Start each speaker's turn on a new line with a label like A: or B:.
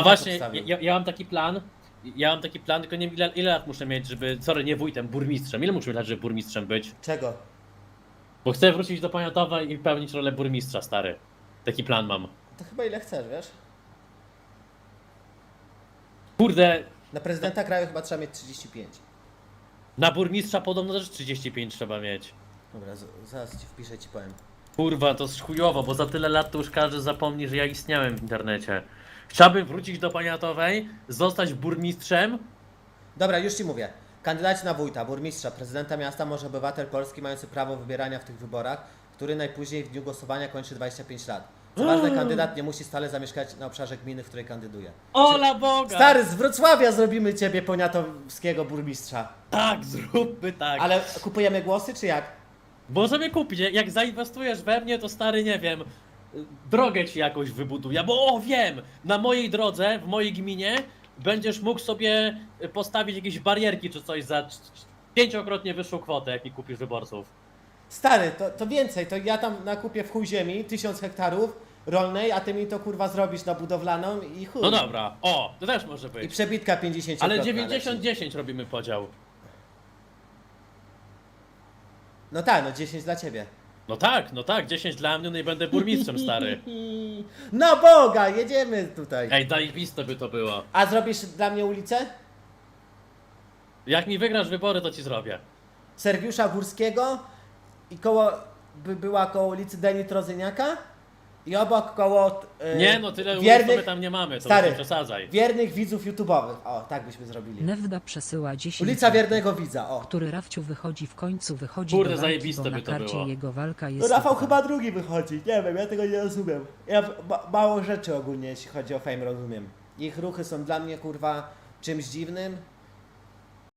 A: właśnie,
B: obstawił.
A: ja mam taki plan. Ja mam taki plan, tylko nie wiem ile lat muszę mieć, żeby... Sorry, nie wójtem, burmistrzem. Ile muszę mieć lat, żeby burmistrzem być?
B: Czego?
A: Bo chcę wrócić do Poniatowa i pełnić rolę burmistrza, stary. Taki plan mam.
B: To chyba ile chcesz, wiesz?
A: Kurde,
B: Na prezydenta kraju chyba trzeba mieć 35.
A: na burmistrza podobno też 35 trzeba mieć.
B: Dobra, zaraz ci wpiszę, ci powiem.
A: Kurwa, to jest chujowo, bo za tyle lat to już każdy zapomni, że ja istniałem w internecie. Chciałbym wrócić do Poniatowej, zostać burmistrzem.
B: Dobra, już ci mówię. Kandydaci na wójta, burmistrza, prezydenta miasta może obywatel polski mający prawo wybierania w tych wyborach, który najpóźniej w dniu głosowania kończy 25 lat. Co ważne, kandydat nie musi stale zamieszkać na obszarze gminy, w której kandyduje.
A: Ola Boga!
B: Stary, z Wrocławia zrobimy ciebie poniatowskiego burmistrza.
A: Tak, zróbmy tak.
B: Ale kupujemy głosy, czy jak?
A: Możemy kupić, jak zainwestujesz we mnie, to stary, nie wiem, drogę ci jakoś wybuduję, bo o, wiem, na mojej drodze, w mojej gminie będziesz mógł sobie postawić jakieś barierki czy coś za 5-krotnie wyższą kwotę, jak mi kupisz wyborców.
B: Stary, to więcej, to ja tam nakupię w chuj ziemi 1000 hektarów rolnej, a ty mi to kurwa zrobisz na budowlaną i chuj.
A: No dobra, o, to też może
B: I
A: być.
B: przebitka 50.
A: Ale 90-10 robimy podział.
B: No tak, no 10 dla ciebie.
A: No tak, 10 dla mnie, no i będę burmistrzem, stary.
B: No Boga, jedziemy tutaj.
A: Ej, zajebiste by to było.
B: A zrobisz dla mnie ulicę?
A: Jak mi wygrasz wybory, to ci zrobię.
B: Sergiusza Górskiego i była koło ulicy Deni Trozyniaka i obok koło
A: Nie no, tyle ulic to my tam nie mamy, to
B: stary,
A: nie przesadzaj.
B: wiernych widzów YouTube'owych. O, tak byśmy zrobili.
C: Newda przesyła 10
B: Ulica Wiernego Widza, o.
C: który Rafciu wychodzi w końcu, wychodzi
A: Kurde,
C: do walki,
A: zajebiste
C: bo na
A: by to
C: karcie
A: było.
C: jego walka
B: No
C: jest...
B: Rafał
C: super.
B: chyba drugi wychodzi, nie wiem, ja tego nie rozumiem. Ja mało rzeczy ogólnie, jeśli chodzi o fame, rozumiem. Ich ruchy są dla mnie, kurwa, czymś dziwnym.